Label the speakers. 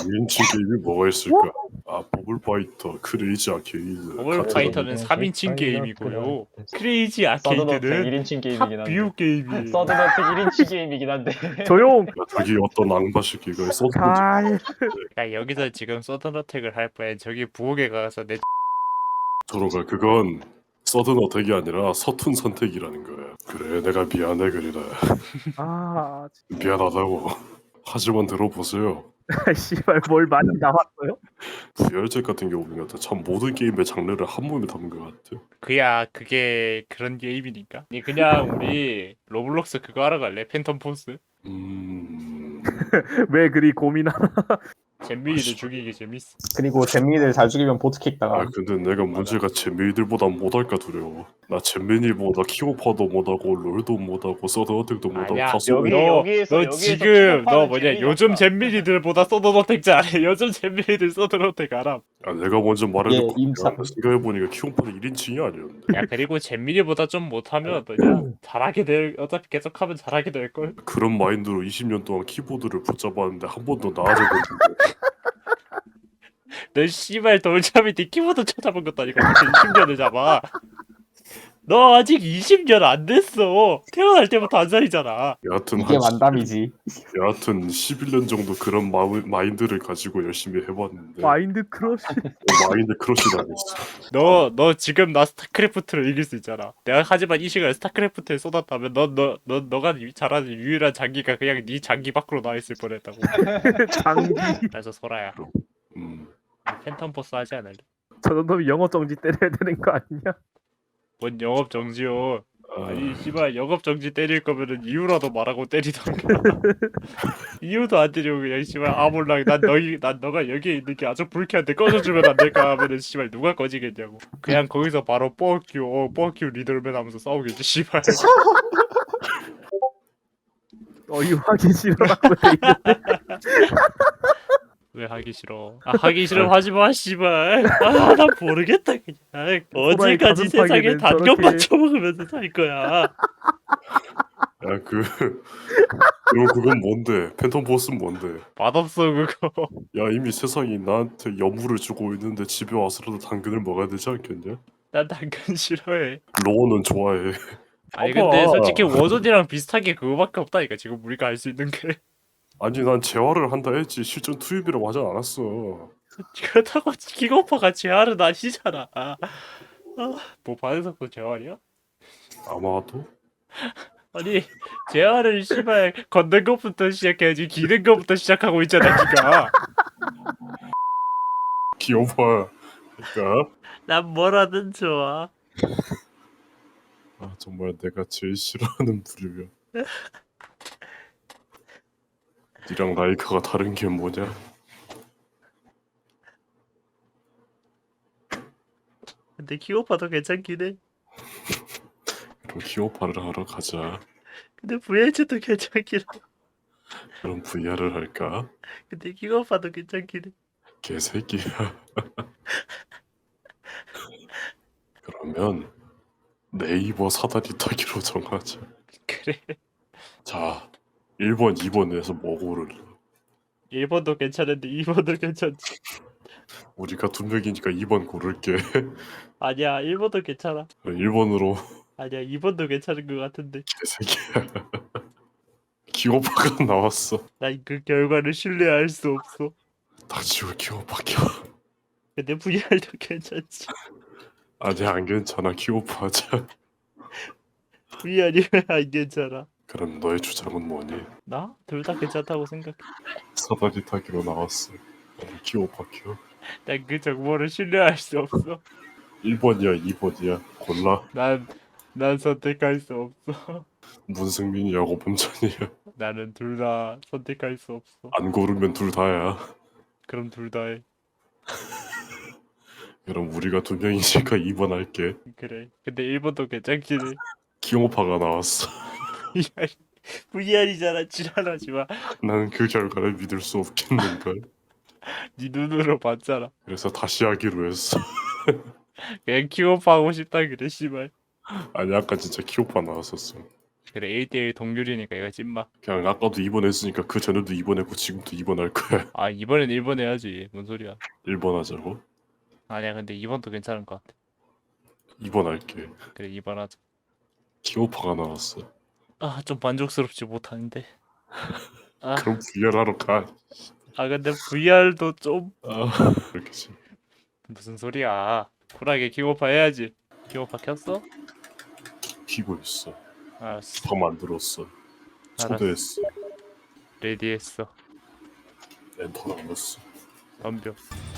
Speaker 1: 1인칭 게임이 뭐가 있을까? 아, 버블파이터, 크레이지 아케이드,
Speaker 2: 버블파이터는 3인칭 게임이고요. 크레이지 아케이드는
Speaker 3: 1인칭 게임이긴 한데.
Speaker 2: 탑뷰 게임이에요.
Speaker 3: 서든어택 1인칭 게임이긴 한데.
Speaker 4: 조용.
Speaker 1: 저기 어떤 앙바 새끼가 써든
Speaker 4: 잘.
Speaker 2: 야, 여기서 지금 서든어택을 할 바에 저기 부엌에 가서 내
Speaker 1: 저로가 그건 서든 어택이 아니라 서툰 선택이라는 거야. 그래, 내가 미안해 그리라.
Speaker 4: 아,
Speaker 1: 미안하다고. 하지만 들어보세요.
Speaker 4: 씨발 뭘 많이 나왔어요?
Speaker 1: 부열책 같은 경우 보면 참 모든 게임의 장르를 한 몸에 담은 것 같아.
Speaker 2: 그야 그게 그런 게임이니까. 아니, 그냥 우리 로블록스 그거 하러 갈래? 팬텀 포스?
Speaker 4: 왜 그리 고민하나?
Speaker 2: 잼민이를 죽이기 재밌어.
Speaker 3: 그리고 잼민이들 잘 죽이면 보트킥
Speaker 1: 아
Speaker 3: 당함.
Speaker 1: 근데 내가 문제가 잼민이들보다 못할까 두려워. 나 잼민이보다 키오파도 못하고 롤도 못하고 서든어택도 못하고
Speaker 2: 아니야,
Speaker 1: 다
Speaker 3: 여기-
Speaker 2: 너
Speaker 3: 여기에서
Speaker 2: 지금 너
Speaker 3: 킥오파는
Speaker 2: 뭐냐
Speaker 3: 재미가
Speaker 2: 요즘
Speaker 3: 없다.
Speaker 2: 잼민이들보다 서든어택 잘해. 요즘 잼민이들 서든어택 알아.
Speaker 1: 아, 내가 먼저 말해놓고
Speaker 3: 예, 임사.
Speaker 1: 생각해보니까 키오파는 1인칭이 아니었는데.
Speaker 2: 야, 그리고 잼민이보다 좀 못하면 뭐냐 잘하게 될, 어차피 계속하면 잘하게 될 걸.
Speaker 1: 그런 마인드로 20년 동안 키보드를 붙잡았는데 한 번도 나아진 적 없는데.
Speaker 2: 너 씨발 돌잡이 네 키보드 찾아본 것도 아니고 어떻게 20년을 잡아. 너 아직 20년 안 됐어. 태어날 때부터 한 살이잖아.
Speaker 1: 여하튼
Speaker 3: 이게 만담이지.
Speaker 1: 여하튼 11년 정도 그런 마인드를 가지고 열심히 해봤는데
Speaker 4: 마인드 크러쉬.
Speaker 1: 마인드 크러쉬도 안 했어.
Speaker 2: 너 지금 나 스타크래프트를 이길 수 있잖아. 내가 하지만 이 시간에 스타크래프트에 쏟았다면 너가 잘하는 유일한 장기가 그냥 네 장기 밖으로 나와 있을 뻔했다고.
Speaker 4: 장기.
Speaker 2: 그래서 소라야,
Speaker 1: 음,
Speaker 2: 팬텀 포스 하지 않을래?
Speaker 4: 저런 놈이 영어 정지 때려야 되는 거 아니냐?
Speaker 2: 뭔 영업 정지요?
Speaker 1: 아,
Speaker 2: 아니 씨발 영업 정지 때릴 거면은 이유라도 말하고 때리던가. 이유도 안 때리고 그냥 씨발 몰라 난 너가 여기에 있는 게 아주 불쾌한데 꺼져주면 안 될까 하면은 씨발 누가 꺼지겠냐고. 그냥 거기서 바로 뻑큐 리더맨 하면서 싸우겠지 씨발.
Speaker 4: 어이하기 싫어라고 돼 있는데.
Speaker 2: 왜 하기 싫어? 아, 하기 싫으면 하지 마 씨발. 아, 나 모르겠다 그냥. 언제까지
Speaker 4: 가슴
Speaker 2: 세상에
Speaker 4: 파괴는
Speaker 2: 단검
Speaker 4: 저렇게-
Speaker 2: 맞춰먹으면서 살 거야.
Speaker 1: 야 그럼 그건 뭔데? 팬텀 보스는 뭔데?
Speaker 2: 맛없어 그거.
Speaker 1: 야 이미 세상이 나한테 여물을 주고 있는데 집에 와서라도 당근을 먹어야 되지 않겠냐?
Speaker 2: 난 당근 싫어해.
Speaker 1: 로어는 좋아해.
Speaker 2: 아니
Speaker 1: 봐봐.
Speaker 2: 근데 솔직히 워존이랑 비슷하게 그거밖에 없다니까 지금 우리가 할 수 있는 게.
Speaker 1: 아니 난 재활을 한다 했지 실전 투입이라고 하진 않았어.
Speaker 2: 그렇다고 킥오퍼가 재활은 아니잖아. 뭐 반응석도 재활이야?
Speaker 1: 아마도?
Speaker 2: 아니 재활을 씨발 걷는 것부터 시작해야지 기는 것부터 시작하고 있잖아 니가.
Speaker 1: 귀여워. 그러니까
Speaker 2: 난 뭐라든 좋아.
Speaker 1: 아, 정말 내가 제일 싫어하는 부류야. 니랑 라이카가 다른 게 뭐냐?
Speaker 2: 근데 킥오퍼도 괜찮긴 해.
Speaker 1: 그럼 키오파를 하러 가자.
Speaker 2: 근데 VH도 괜찮긴 해.
Speaker 1: 그럼 VR을 할까?
Speaker 2: 근데 킥오퍼도 괜찮긴 해.
Speaker 1: 개새끼야. 그러면 네이버 사다리 타기로 정하자.
Speaker 2: 그래.
Speaker 1: 자, 1번, 2번에서 뭐 고를래?
Speaker 2: 1번도 괜찮은데 2번도 괜찮지.
Speaker 1: 우리가 두 명이니까 2번 고를게.
Speaker 2: 아니야 1번도 괜찮아.
Speaker 1: 1번으로
Speaker 2: 아니야 2번도 괜찮은 것 같은데.
Speaker 1: 개새끼야. 기호파가 나왔어.
Speaker 2: 난 그 결과를 신뢰할 수 없어.
Speaker 1: 닥치고 기호파 켜.
Speaker 2: 근데 VR도 괜찮지.
Speaker 1: 아니 안 괜찮아. 기호파 하자.
Speaker 2: VR이 왜 안 괜찮아?
Speaker 1: 그럼 너의 주장은 뭐니?
Speaker 2: 나? 둘 다 괜찮다고 생각해.
Speaker 1: 사다리 타기로 나왔어. 기호파 켜.
Speaker 2: 난 그 정보를 신뢰할 수 없어.
Speaker 1: 1번이야 2번이야 골라.
Speaker 2: 난 선택할 수 없어.
Speaker 1: 문승민이하고 범찬이야.
Speaker 2: 나는 둘 다 선택할 수 없어.
Speaker 1: 안 고르면 둘 다야.
Speaker 2: 그럼 둘 다 해.
Speaker 1: 그럼 우리가 두 명이니까 2번 할게.
Speaker 2: 그래. 근데 1번도 괜찮긴 해.
Speaker 1: 기호파가 나왔어.
Speaker 2: VR이잖아. 지랄하지 마.
Speaker 1: 나는 그 결과를 믿을 수 없겠는걸.
Speaker 2: 네 눈으로 봤잖아.
Speaker 1: 그래서 다시 하기로 했어.
Speaker 2: 그냥 키오프 하고 싶다 그래 씨발.
Speaker 1: 아니 아까 진짜 키오파 나왔었어.
Speaker 2: 그래 1대1 동률이니까 이거 찐마.
Speaker 1: 그냥 아까도 2번 했으니까 그 전에도 2번 했고 지금도 2번 할 거야.
Speaker 2: 아 이번엔 1번 해야지. 뭔 소리야.
Speaker 1: 1번 하자고?
Speaker 2: 아니야 근데 2번도 괜찮은 것 같아.
Speaker 1: 2번 할게.
Speaker 2: 그래 2번 하자.
Speaker 1: 킹오파가 나왔어.
Speaker 2: 아 좀 만족스럽지 못하는데. 아,
Speaker 1: 그럼 VR 하러 가.
Speaker 2: 아 근데 VR도 좀
Speaker 1: 아, 그렇겠지.
Speaker 2: 무슨 소리야. 쿨하게 킹오파 해야지. 킹오파 켰어?
Speaker 1: 키고 있어.
Speaker 2: 알았어.
Speaker 1: 다 만들었어. 초대했어.
Speaker 2: 레디했어.
Speaker 1: 엔터 남았어.
Speaker 2: 덤벼.